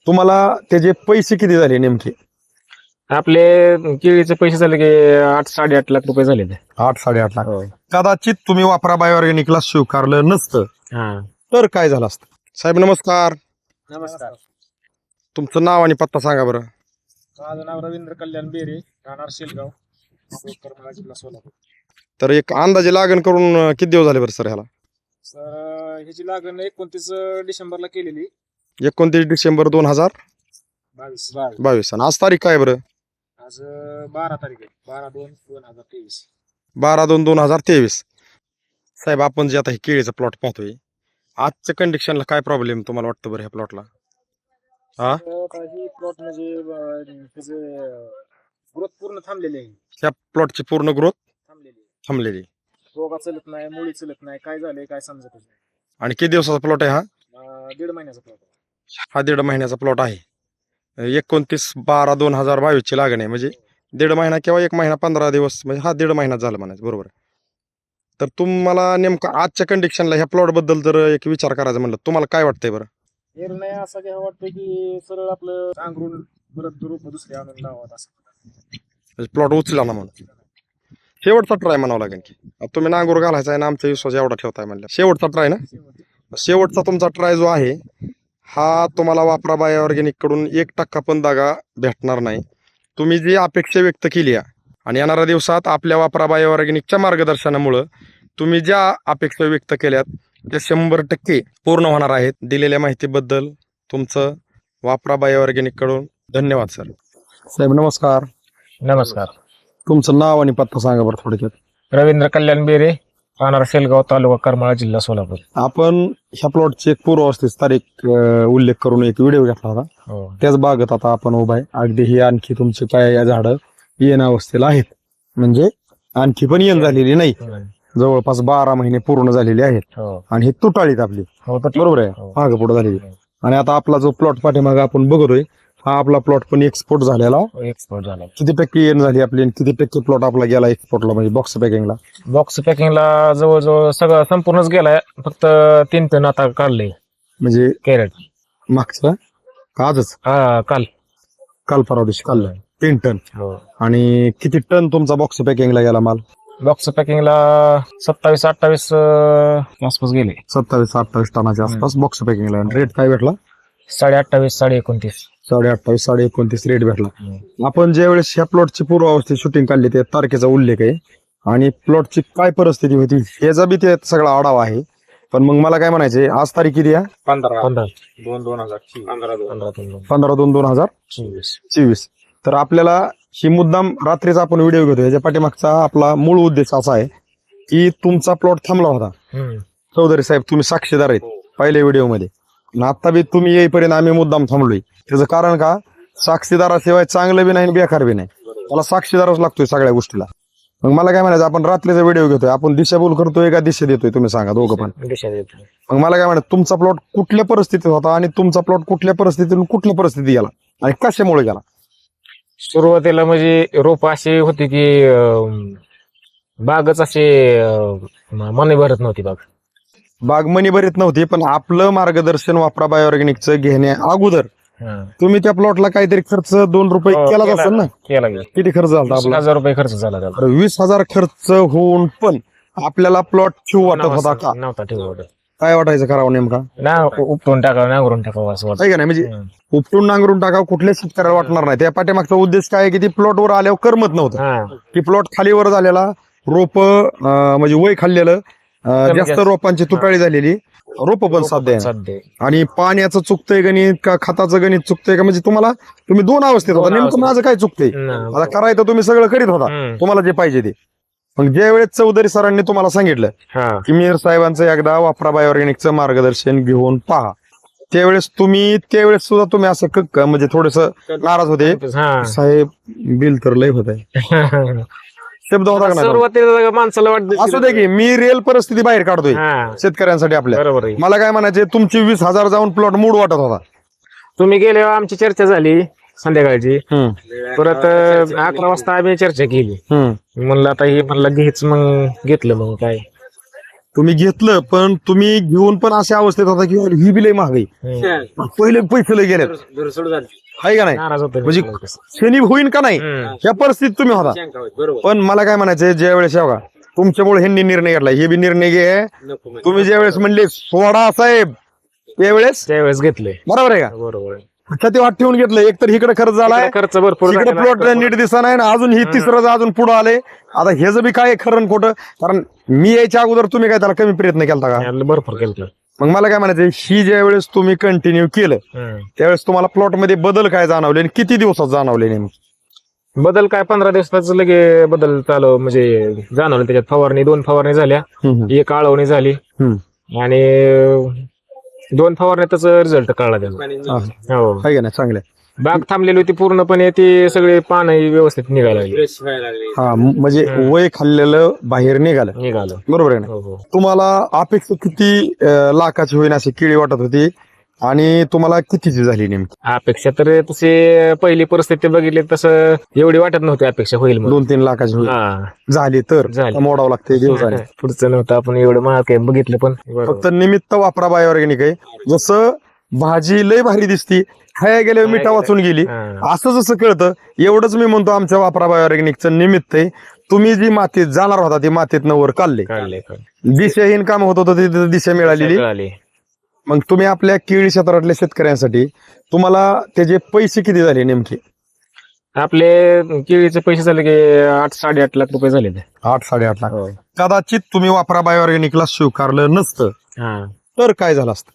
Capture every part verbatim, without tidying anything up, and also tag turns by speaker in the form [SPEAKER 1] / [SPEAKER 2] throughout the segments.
[SPEAKER 1] तुम्हाला त्याचे पैसे किती झाले नेमके?
[SPEAKER 2] आपले केळीचे पैसे झाले की आठ साडेआठ लाख रुपये झाले.
[SPEAKER 1] आठ साडेआठ लाख. कदाचित तुम्ही वापरा बायोऑर्गॅनिकला स्वीकारलं नसतं तर काय झालं असतं? साहेब नमस्कार.
[SPEAKER 2] नमस्कार.
[SPEAKER 1] तुमचं नाव आणि पत्ता सांगा बरं.
[SPEAKER 2] माझं नाव रवींद्र कल्याण बेरे, राहणार शेलगाव, जिल्हा सोलापूर.
[SPEAKER 1] तर एक अंदाजे लागण करून अं, किती दिवस झाले बरं सर ह्याला?
[SPEAKER 2] सर ह्याची लागण एकोणतीस डिसेंबरला केलेली.
[SPEAKER 1] एकोणतीस डिसेंबर दोन हजार
[SPEAKER 2] बावीस
[SPEAKER 1] बावीस. आणि आज तारीख काय बरं?
[SPEAKER 2] आज बारा तारीख आहे. बारा दोन दोन हजार तेवीस.
[SPEAKER 1] बारा दोन दोन हजार तेवीस. साहेब आपण जे आता हे केळीचा प्लॉट पाहतोय, आजच्या कंडिशनला काय प्रॉब्लेम तुम्हाला वाटतं बरं ह्या प्लॉटला? हा,
[SPEAKER 2] ही प्लॉट म्हणजे त्याचे ग्रोथ पूर्ण थांबलेली आहे.
[SPEAKER 1] ह्या प्लॉटची पूर्ण ग्रोथ
[SPEAKER 2] थांबलेली आहे.
[SPEAKER 1] थांबलेली.
[SPEAKER 2] रोगा चलत नाही, मुळी चलत नाही, काय झालंय काय समजत नाही.
[SPEAKER 1] आणि किती दिवसाचा प्लॉट आहे हा?
[SPEAKER 2] अं, दीड महिन्याचा प्लॉट आहे.
[SPEAKER 1] हा दीड महिन्याचा प्लॉट आहे. एकोणतीस बारा दोन हजार बावीस ची लागण आहे, म्हणजे दीड महिना किंवा एक महिना पंधरा दिवस, म्हणजे हा दीड महिना झाला म्हणायचं, बरोबर. तर तुम्हाला नेमकं आजच्या कंडिशनला ह्या प्लॉट बद्दल जर एक विचार करायचा म्हणलं, तुम्हाला काय वाटतंय बरं?
[SPEAKER 2] निर्णय असा घ्यावा वाटतं की सरळ आपलं अंगरून परत रूप दुसरे आणून लावत असं
[SPEAKER 1] प्लॉट उचला ना म्हणून शेवटचा ट्राय म्हणावं लागेल की आता तुम्ही नांगूर घालायचा आहे ना, आमचा विश्वास एवढा ठेवताय म्हणलं शेवटचा ट्राय ना. शेवटचा तुमचा ट्राय जो आहे हा तुम्हाला वापरा बायोऑर्गॅनिक कडून एक टक्का पण दागा भेटणार नाही. तुम्ही जी अपेक्षा व्यक्त केली आहे आणि येणाऱ्या दिवसात आपल्या वापरा बायोऑर्गॅनिकच्या मार्गदर्शनामुळं तुम्ही ज्या अपेक्षा व्यक्त केल्यात त्या शंभर टक्के पूर्ण होणार आहेत. दिलेल्या माहितीबद्दल तुमचं वापरा बायोऑर्गॅनिक कडून धन्यवाद सर. साहेब नमस्कार.
[SPEAKER 2] नमस्कार.
[SPEAKER 1] तुमचं नाव आणि पत्ता सांगा बरं थोडक्यात.
[SPEAKER 2] रवींद्र कल्याण बेरे, राहणार शेलगाव, तालुका करमाळा, जिल्हा सोलापूर.
[SPEAKER 1] आपण ह्या प्लॉटची एक पूर्वावस्थेत तारीख अं, उल्लेख करून एक व्हिडिओ घेतला होता.
[SPEAKER 2] हो.
[SPEAKER 1] त्याच बागत आता आपण उभा आहे. अगदी ही आणखी तुमची काय या झाडं येण अवस्थेला आहेत, म्हणजे आणखी पण येण झालेली नाही. जवळपास बारा महिने पूर्ण झालेले आहेत.
[SPEAKER 2] हो.
[SPEAKER 1] आणि हे तुटाळीत आपली,
[SPEAKER 2] हो, तर
[SPEAKER 1] बरोबर आहे,
[SPEAKER 2] हो.
[SPEAKER 1] मागं पुढे झालेली. आणि आता आपला जो प्लॉट पाठीमागे आपण बघतोय हा आपला प्लॉट पण एक्सपोर्ट झालेला.
[SPEAKER 2] एक्सपोर्ट झाला.
[SPEAKER 1] किती टक्के येण झाली आपली आणि किती टक्के प्लॉट आपला गेला एक्सपोर्टला, म्हणजे बॉक्स पॅकिंगला?
[SPEAKER 2] बॉक्स पॅकिंगला जवळजवळ सगळं संपूर्णच गेलाय. फक्त तीन टन आता काढले
[SPEAKER 1] म्हणजे
[SPEAKER 2] कॅरेट.
[SPEAKER 1] मागचं का आजच?
[SPEAKER 2] हा, काल
[SPEAKER 1] काल परवा दिवशी काढलं तीन टन.
[SPEAKER 2] हो.
[SPEAKER 1] आणि किती टन तुमचा बॉक्स पॅकिंगला गेला माल?
[SPEAKER 2] बॉक्स पॅकिंगला सत्तावीस अठ्ठावीस आसपास गेले.
[SPEAKER 1] सत्तावीस अठ्ठावीस टनाच्या आसपास बॉक्स पॅकिंगला. रेट काय भेटला?
[SPEAKER 2] साडे अठ्ठावीस साडे एकोणतीस
[SPEAKER 1] साडे अठ्ठावीस साडे एकोणतीस रेट भेटला. आपण ज्या वेळेस ह्या प्लॉटची पूर्वावस्थेत शूटिंग काढली त्या तारखेचा उल्लेख आहे आणि प्लॉटची काय परिस्थिती होती ह्याचा बी ते सगळा आढावा आहे. पण मग मला काय म्हणायचे, आज तारीख किती आहे?
[SPEAKER 2] पंधरा पंधरा दोन दोन हजार पंधरा दोन
[SPEAKER 1] पंधरा दोन दोन हजार
[SPEAKER 2] चोवीस
[SPEAKER 1] चोवीस. तर आपल्याला ही मुद्दाम रात्रीचा आपण व्हिडिओ घेतो याच्या पाठीमागचा आपला मूळ उद्देश असा आहे की तुमचा प्लॉट थांबला होता. चौधरी साहेब तुम्ही साक्षीदार आहेत पहिल्या व्हिडिओमध्ये. आता बी तुम्ही येईपर्यंत आम्ही मुद्दाम थांबलोय. त्याचं कारण का, साक्षीदाराशिवाय चांगलं बी नाही बेकार बी नाही. मला साक्षीदारच लागतोय सगळ्या गोष्टीला. मग मला काय म्हणायचं, आपण रात्रीचा व्हिडिओ घेतोय, आपण दिशाभूल करतोय का दिशा देतोय तुम्ही सांगा दोघं पण. मग मला काय म्हणायचं, तुमचा प्लॉट कुठल्या परिस्थितीत होता आणि तुमचा प्लॉट कुठल्या परिस्थितीतून कुठल्या परिस्थितीत गेला आणि कशामुळे गेला?
[SPEAKER 2] सुरुवातीला म्हणजे रोप अशी होती की बागच असे मने भरत नव्हती. बाग
[SPEAKER 1] बाग मनी भरीत नव्हती, पण आपलं मार्गदर्शन वापरा बायोऑर्गॅनिकचं घेण्या अगोदर तुम्ही त्या प्लॉटला काहीतरी खर्च दोन रुपये केलाच असेल ना?
[SPEAKER 2] केला गेला.
[SPEAKER 1] किती खर्च झाला आपला?
[SPEAKER 2] हजार रुपये खर्च झाला त्याला.
[SPEAKER 1] वीस हजार खर्च होऊन पण आपल्याला प्लॉट ठेवू वाटत होता का?
[SPEAKER 2] नव्हता ठेवत.
[SPEAKER 1] काय वाटायचं करावं नेमका?
[SPEAKER 2] ना उपटून टाकावं, नांगरून टाकावं असं वाटतं.
[SPEAKER 1] आहे का नाही? म्हणजे उपटून नांगरून टाकावं कुठल्या शेतकऱ्याला वाटणार नाही. त्या पाठीमागचा उद्देश काय आहे की ती प्लॉटवर आल्यावर करमत नव्हतं. की प्लॉट खालीवर झालेला, रोप म्हणजे वय खाल्लेलं, जास्त रोपांची तुटाळी झालेली, रोप पण साध्य आहे. आणि पाण्याचं चुकतंय गणित का खताचं गणित चुकतंय का, म्हणजे तुम्हाला तुम्ही दोन अवस्थेत होता. नेमकं माझं काय चुकतंय? आता करायचं तुम्ही सगळं करीत होता तुम्हाला जे पाहिजे ते. मग ज्या वेळेस चौधरी सरांनी तुम्हाला सांगितलं की मीर साहेबांचं एकदा वापरा बायोऑर्गॅनिकचं मार्गदर्शन घेऊन पहा, त्यावेळेस तुम्ही त्यावेळेस सुद्धा तुम्ही असं क म्हणजे थोडस नाराज होते. साहेब बिल तर लय होत आहे शब्द होता का?
[SPEAKER 2] सुरुवातीला माणसाला वाटतं
[SPEAKER 1] असू दे की मी रिअल परिस्थिती बाहेर काढतोय शेतकऱ्यांसाठी आपल्या.
[SPEAKER 2] बरोबर.
[SPEAKER 1] मला काय म्हणायचे, तुमची वीस हजार जाऊन प्लॉट मूड वाटत होता.
[SPEAKER 2] तुम्ही गेल्यावर आमची चर्चा झाली संध्याकाळची. परत अकरा वाजता आम्ही चर्चा केली. म्हणलं आता हे म्हणलं घ्यायच, मग घेतलं. मग काय
[SPEAKER 1] तुम्ही घेतलं पण तुम्ही घेऊन पण अशा अवस्थेत होता की ही बी लय महागाई पहिले पैसे लय गेले आहे का नाही
[SPEAKER 3] नाराज होतो
[SPEAKER 1] म्हणजे शनी होईन का नाही या परिस्थितीत तुम्ही होता पण मला काय म्हणायचंय ज्या वेळेस बघा तुमच्यामुळे ह्यांनी निर्णय घेतला हे बी निर्णय घे तुम्ही ज्या वेळेस म्हणले सोडा साहेब त्यावेळेस
[SPEAKER 3] त्यावेळेस घेतले
[SPEAKER 1] बरोबर आहे का
[SPEAKER 3] बरोबर
[SPEAKER 1] ते वाट ठेवून घेतलं एकतर इकडे खर्च झालाय
[SPEAKER 3] खर्च भरपूर
[SPEAKER 1] इकडे प्लॉट नीट दिसत नाही ना अजून ही तिसरं अजून पुढे आले आता हे जर बी काय खरं आणि खोटं कारण मी यायच्या अगोदर तुम्ही काय त्याला कमी प्रयत्न केला का
[SPEAKER 3] भरपूर केलं
[SPEAKER 1] मग मला काय म्हणायचं ही ज्या वेळेस तुम्ही कंटिन्यू केलं त्यावेळेस तुम्हाला प्लॉट मध्ये बदल काय जाणवले आणि किती दिवसात जाणवले नेमके
[SPEAKER 3] बदल काय पंधरा दिवसाच लगे बदल चालू म्हणजे जाणवलं त्याच्यात फवारणी दोन फवारणी झाल्या एक आळवणी झाली आणि दोन फवारण्यातच रिझल्ट कळला त्याचा हो
[SPEAKER 1] आहे का नाही चांगलं
[SPEAKER 3] बाग थांबलेली होती पूर्णपणे ती सगळे पान व्यवस्थित निघायला लागली
[SPEAKER 1] हा म्हणजे वय खाल्लेलं बाहेर निघालं
[SPEAKER 3] निघालं
[SPEAKER 1] बरोबर आहे ना
[SPEAKER 3] हो हो
[SPEAKER 1] तुम्हाला अपेक्षा किती अं, लाखाची होईन अशी किळी वाटत होती आणि तुम्हाला कितीची झाली नेमकी
[SPEAKER 3] अपेक्षा तर तशी पहिली परिस्थिती बघितली तसं एवढी वाटत नव्हती अपेक्षा होईल म्हणून.
[SPEAKER 1] दोन तीन लाखाची होईल
[SPEAKER 3] हा
[SPEAKER 1] झाली तर
[SPEAKER 3] झाली.
[SPEAKER 1] मोडावं लागते दिवसाने
[SPEAKER 3] पुढचं नव्हतं आपण एवढं महाग काय बघितलं पण
[SPEAKER 1] फक्त निमित्त वापरा बायोऑर्गॅनिक आहे जसं भाजी लय भारी दिसती खाया गेल्यावर मिठा वाचून गेली
[SPEAKER 3] हा.
[SPEAKER 1] असं जसं कळतं एवढंच मी म्हणतो आमच्या वापरा बायोऑर्गॅनिकचं निमित्त आहे तुम्ही जी मातीत जाणार होता ती मातीत वर काढले
[SPEAKER 3] काढले काढले.
[SPEAKER 1] दिशाहीन काम होत होतं तिथे दिशा मिळालेली
[SPEAKER 3] कळाली.
[SPEAKER 1] मग तुम्ही आपल्या केळी क्षेत्रातल्या शेतकऱ्यांसाठी तुम्हाला त्याचे पैसे किती झाले नेमके
[SPEAKER 3] आपले केळीचे पैसे झाले की आठ साडेआठ लाख रुपये झाले ते
[SPEAKER 1] आठ साडेआठ लाख
[SPEAKER 3] हो.
[SPEAKER 1] कदाचित तुम्ही वापरा बायोऑर्गॅनिकला स्वीकारलं नसतं
[SPEAKER 3] हा
[SPEAKER 1] तर काय झालं असतं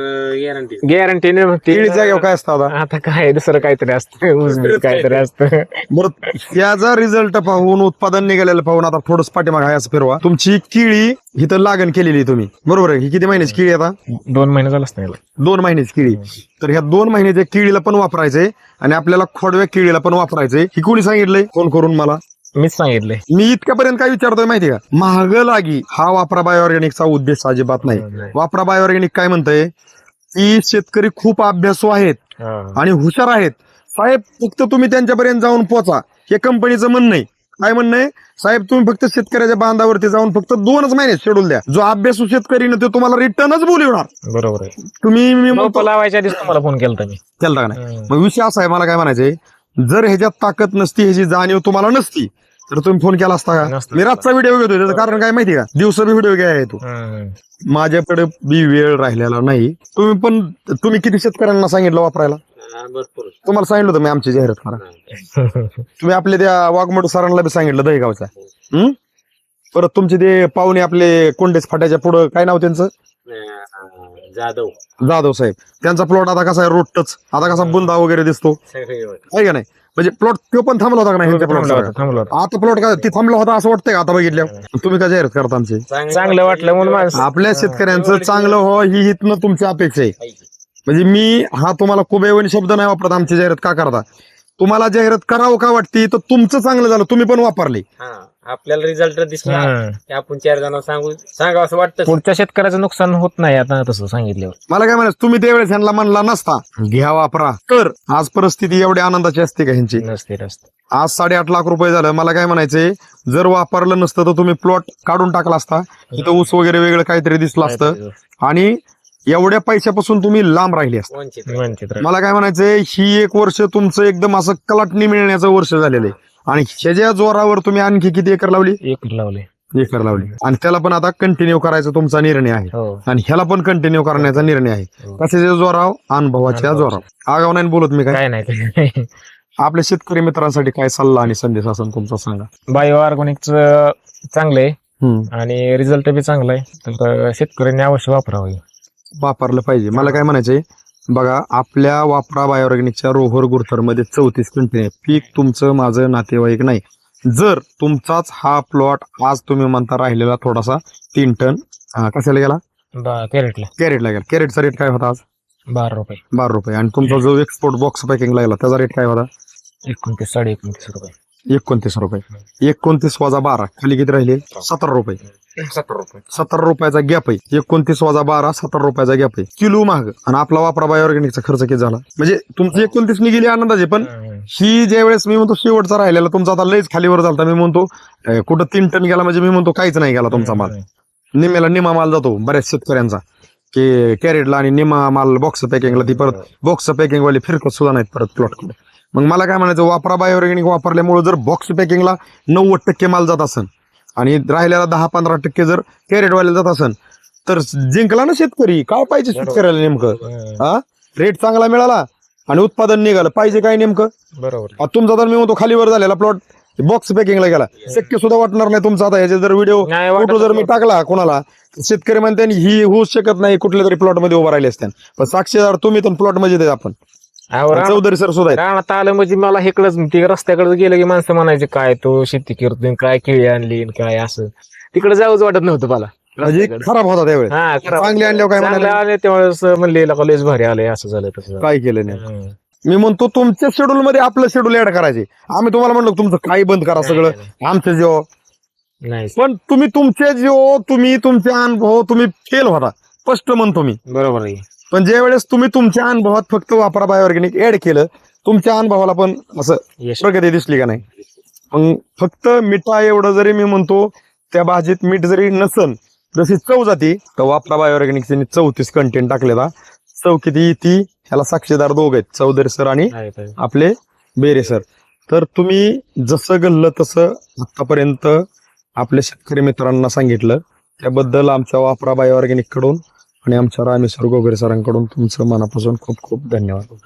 [SPEAKER 3] गॅरंटी
[SPEAKER 1] केळी जागेवर काय असतं आता
[SPEAKER 3] आता काय दुसरं काहीतरी असतं ऊसबीज काहीतरी असतं
[SPEAKER 1] बरं याचा रिझल्ट पाहून उत्पादन निघालेलं पाहून आता थोडंच पाठीमाग आहे असं फिरवा तुमची केळी इथं लागण केलेली तुम्ही बरोबर आहे ही किती महिन्याची केळी आता
[SPEAKER 3] दोन महिने झालं असतं याला.
[SPEAKER 1] दोन महिन्याची केळी तर ह्या दोन महिन्याच्या केळीला पण वापरायचंय आणि आपल्याला खोडव्या केळीला पण वापरायचंय ही कोणी सांगितलंय फोन करून मला
[SPEAKER 3] मीच सांगितलंय
[SPEAKER 1] मी इतक्यापर्यंत काय विचारतोय माहिती का महाग लागी हा वापरा बायोऑर्गॅनिकचा उद्देश अजिबात नाही वापरा बायोऑर्गॅनिक काय म्हणतंय की शेतकरी खूप अभ्यासू आहेत
[SPEAKER 3] हा.
[SPEAKER 1] आणि हुशार आहेत साहेब फक्त तुम्ही त्यांच्यापर्यंत जाऊन पोचा हे कंपनीचं म्हणणं आहे काय म्हणणं आहे साहेब तुम्ही फक्त शेतकऱ्याच्या बांधावरती जाऊन फक्त दोनच महिने शेड्यूल द्या जो अभ्यासू शेतकरी ना तो तुम्हाला रिटर्नच बोलवणार
[SPEAKER 3] बरोबर आहे
[SPEAKER 1] तुम्ही मी म्हणतो
[SPEAKER 3] रोपं लावायच्या आधीच तुम्हाला फोन केला मी
[SPEAKER 1] केलता का नाही मग विषय असा आहे मला काय म्हणायचंय जर ह्याच्यात ताकद नसती ह्याची जाणीव तुम्हाला नसती तर तुम्ही फोन केला असता का
[SPEAKER 3] नसता.
[SPEAKER 1] मी रातचा व्हिडिओ घेतोय त्याचं कारण काय माहिती का दिवसा बी व्हिडिओ घ्याय तो
[SPEAKER 3] हम्म.
[SPEAKER 1] माझ्याकडे बी वेळ राहिलेला नाही तुम्ही पण तुम्ही किती शेतकऱ्यांना सांगितलं वापरायला तुम्हाला सांगितलं होतं मी आमची जाहिरात करा तुम्ही आपले त्या वाघमोड सरांना बी सांगितलं दहीगावचा हम्म परत तुमचे ते पाहुणे आपले कोंडेच फाट्याच्या पुढं काय नाव त्यांचं
[SPEAKER 3] जाधव
[SPEAKER 1] जाधव साहेब त्यांचा प्लॉट आता कसा आहे रोडच आता कसा बुंदा वगैरे दिसतो आहे का नाही म्हणजे प्लॉट तो पण थांबला होता का नाही ह्यांच्या
[SPEAKER 3] थांबला
[SPEAKER 1] plot
[SPEAKER 3] होता,
[SPEAKER 1] चा?
[SPEAKER 3] थांबला होता.
[SPEAKER 1] आता प्लॉट काय ती थांबला होता असं वाटतंय का आता बघितल्या तुम्ही काय जाहिरात करता आमची
[SPEAKER 3] चांगलं वाटलं म्हणून माणसं
[SPEAKER 1] आपल्या शेतकऱ्यांचं चांगलं हो ही हितनं तुमची अपेक्षा आहे म्हणजे मी हा तुम्हाला कुबेवणी शब्द नाही वापरत आमची जाहिरात का करता तुम्हाला जाहिरात करावं का वाटते तर तुमचं चांगलं झालं तुम्ही पण वापरले
[SPEAKER 4] आपल्याला रिझल्ट दिसला
[SPEAKER 3] हम्म.
[SPEAKER 4] की आपण चार जण सांगू सांगा असं वाटतं
[SPEAKER 3] पुढच्या शेतकऱ्याचं नुकसान होत नाही आता तसं सांगितल्यावर
[SPEAKER 1] मला काय म्हणायचं तुम्ही त्यावेळेस ह्यांना म्हणला नसता घ्या वापरा तर आज परिस्थिती एवढी आनंदाची असते का ह्यांची
[SPEAKER 3] नसते नसते
[SPEAKER 1] आज साडेआठ लाख रुपये झालं मला काय म्हणायचंय जर वापरलं नसतं तर तुम्ही प्लॉट काढून टाकला असता तिथं ऊस वगैरे वेगळं काहीतरी दिसलं असतं आणि एवढ्या पैशापासून तुम्ही लांब राहिले असता
[SPEAKER 4] वंचित
[SPEAKER 3] वंचित राहिलं.
[SPEAKER 1] मला काय म्हणायचंय ही एक वर्ष तुमचं एकदम असं कलाटणी मिळण्याचं वर्ष झालेलं आहे आणि ह्याच्या जोरावर तुम्ही आणखी किती एकर लावली
[SPEAKER 3] एक लावले
[SPEAKER 1] एकर लावली आणि त्याला पण आता कंटिन्यू करायचा तुमचा निर्णय आहे
[SPEAKER 3] हो
[SPEAKER 1] आणि ह्याला पण कंटिन्यू करण्याचा निर्णय आहे
[SPEAKER 3] हो.
[SPEAKER 1] कशाच्या जोराव अनुभवाच्या जोराव आगाव नाही बोलत मी काय
[SPEAKER 3] काय नाही काय नाही.
[SPEAKER 1] आपल्या शेतकरी मित्रांसाठी काय सल्ला आणि संदेश असेल तुमचा सांगा
[SPEAKER 3] बायो ऑर्गॅनिकच चांगलं आहे
[SPEAKER 1] हम्म
[SPEAKER 3] आणि रिझल्ट बी चांगला आहे तर शेतकऱ्यांनी अवश्य वापरावं हे.
[SPEAKER 1] वापरलं पाहिजे मला काय म्हणायचंय बघा आपल्या वापरा बायोऑर्गॅनिकच्या रोहर गुरथर मध्ये चौतीस कंपनी आहे पीक तुमचं माझं नातेवाईक नाही जर तुमचाच हा प्लॉट आज तुम्ही म्हणता राहिलेला थोडासा तीन टन हा, कशाला गेला
[SPEAKER 3] बा- कॅरेटला
[SPEAKER 1] कॅरेटला गेला कॅरेटचा रेट काय होता आज
[SPEAKER 3] बारा रुपये
[SPEAKER 1] बारा रुपये आणि तुमचा जो एक्सपोर्ट बॉक्स पॅकिंग लागला त्याचा रेट काय होता
[SPEAKER 3] एकोणतीस साडे एकोणतीस रुपये
[SPEAKER 1] एकोणतीस रुपये एकोणतीस वजा बारा खाली किती राहिले सतरा रुपये
[SPEAKER 3] सत्तर रुपये
[SPEAKER 1] सतरा रुपयाचा गॅप आहे एकोणतीस वजा बारा सतरा रुपयाचा गॅप आहे किलो महाग आणि आपला वापरा बायोऑर्गॅनिकचा खर्च किती झाला म्हणजे तुमची एकोणतीस निघेली आनंदाचे पण ही ज्या वेळेस मी म्हणतो शेवटचा राहिलेला तुमचा आता लयच खालीवर झाला मी म्हणतो अं, कुठं तीन टन गेला म्हणजे मी म्हणतो काहीच नाही गेला तुमचा माल निम्याला निमा माल जातो बऱ्याच शेतकऱ्यांचा की कॅरेटला आणि निमा माल बॉक्स पॅकिंगला ती परत बॉक्स पॅकिंग वाले फिरकत सुद्धा नाहीत परत प्लॉटकडे. मग मला काय म्हणायचं, वापरा बायोऑर्गॅनिक वापरल्यामुळे जर बॉक्स पॅकिंगला नव्वद टक्के माल जात असेल आणि राहिलेला दहा पंधरा टक्के जर कॅरेटवाल्याला जात असेल तर जिंकला ना शेतकरी. काय पाहिजे शेतकऱ्याला नेमकं? हा, रेट चांगला मिळाला आणि उत्पादन निघालं, पाहिजे काय नेमकं?
[SPEAKER 3] बरोबर.
[SPEAKER 1] आता तुमचा तर मी म्हणतो खालीवर झालेला प्लॉट बॉक्स पॅकिंगला गेला, शक्य सुद्धा वाटणार नाही तुमचा. आता ह्याचे जर व्हिडिओ
[SPEAKER 3] नाही वाटत.
[SPEAKER 1] फोटो जर मी टाकला कोणाला, शेतकरी म्हणते ही होऊच शकत नाही, कुठल्या तरी प्लॉट मध्ये उभा राहिले असते. पण साक्षीदार तुम्ही तर प्लॉट मध्ये देत आपण
[SPEAKER 3] अहो, रानात-
[SPEAKER 1] चौधरी सर सुद्धा आहेत.
[SPEAKER 3] रानात आलं म्हणजे मला हेकडच ते रस्त्याकडे गेलं की माणसं म्हणायचे काय तो शेती करतोय, काय केळी आणली आणि काय असं. तिकडे जाऊच वाटत नव्हतं मला.
[SPEAKER 1] म्हणजे खराब होता त्यावेळेस.
[SPEAKER 3] हा खरं.
[SPEAKER 1] चांगले आणल्यावर काय
[SPEAKER 3] चांगले
[SPEAKER 1] म्हणाले,
[SPEAKER 3] आले त्यावेळेस म्हणले लका लयच भारी आले, असं झालं तसं झालं.
[SPEAKER 1] काय केलं नाही.
[SPEAKER 3] हम्म.
[SPEAKER 1] मी म्हणतो तुमच्या शेड्यूल मध्ये आपलं शेड्यूल ऍड करायचे. आम्ही तुम्हाला म्हणलो तुमचं काही बंद करा सगळं
[SPEAKER 3] नाही,
[SPEAKER 1] आमचं जेव्हा,
[SPEAKER 3] नाही
[SPEAKER 1] पण तुम्ही तुमचे जेव्हा तुम्ही तुमचे अनुभव तुम्ही फेल होता स्पष्ट म्हणतो मी.
[SPEAKER 3] बरोबर आहे.
[SPEAKER 1] पण ज्या वेळेस तुम्ही तुमच्या अनुभवात फक्त वापरा बायोऑर्गॅनिक ऍड केलं, तुमच्या अनुभवाला पण असं
[SPEAKER 3] यश.
[SPEAKER 1] प्रगती दिसली का नाही. मग फक्त मिठा एवढं जरी मी म्हणतो त्या भाजीत मीठ जरी नसन जशी चव जाती, तर वापरा बायोऑर्गॅनिकचे चौतीस कंटेंट टाकलेला. चव किती ती ह्याला साक्षीदार दोघ आहेत, चौधरी सर आणि
[SPEAKER 3] आहे, आहे.
[SPEAKER 1] आपले बेरे सर. तर तुम्ही जसं गल्लं तसं आतापर्यंत आपल्या शेतकरी मित्रांना सांगितलं, त्याबद्दल आमच्या वापरा बायोऑर्गॅनिक कडून आणि आमच्या रामेश्वर गोगरे सरांकडून तुमचं मनापासून खूप खूप धन्यवाद.